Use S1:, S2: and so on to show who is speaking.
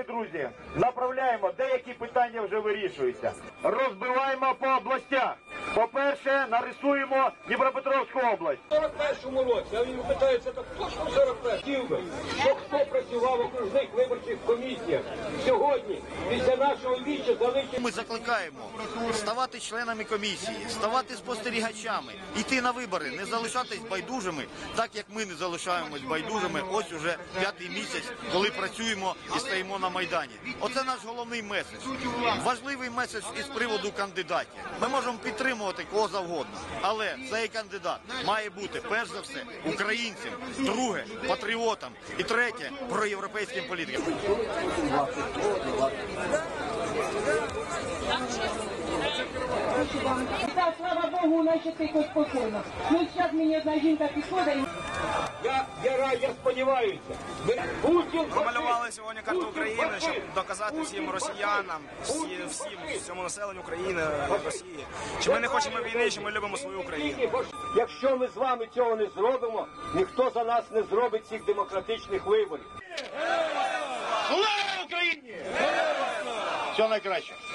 S1: друзі, направляємо, деякі питання вже вирішуються. Розбиваємо по областях. По-перше, нарисуємо Дніпропетровську область.
S2: В 41-му році, а він питається, так точно в 41-му, що хто працював в окружних виборчих комісіях. Сьогодні, після нашого віча, залишимо.
S3: Ми закликаємо ставати членами комісії, ставати спостерігачами, йти на вибори, не залишатись байдужими, так як ми не залишаємось байдужими ось уже 5-й місяць, коли працюємо і стоїмо на Майдані. Оце наш головний меседж. Важливий меседж із приводу кандидатів. Ми можемо підтримувати кого завгодно, але цей кандидат має бути, перш за все, українцем, друге, патріотом і третє, проєвропейським політиком.
S4: Так, слава Богу, у нас ще тихо спокійно. Ну, зараз мені одна жінка підходить.
S2: Я сподіваюся.
S5: Намалювали сьогодні карту України, щоб доказати всім росіянам, всьому населенню України, Росії, що ми не хочемо війни, що ми любимо свою Україну.
S2: Якщо ми з вами цього не зробимо, ніхто за нас не зробить цих демократичних виборів.
S1: Слава Україні! Всього найкраще!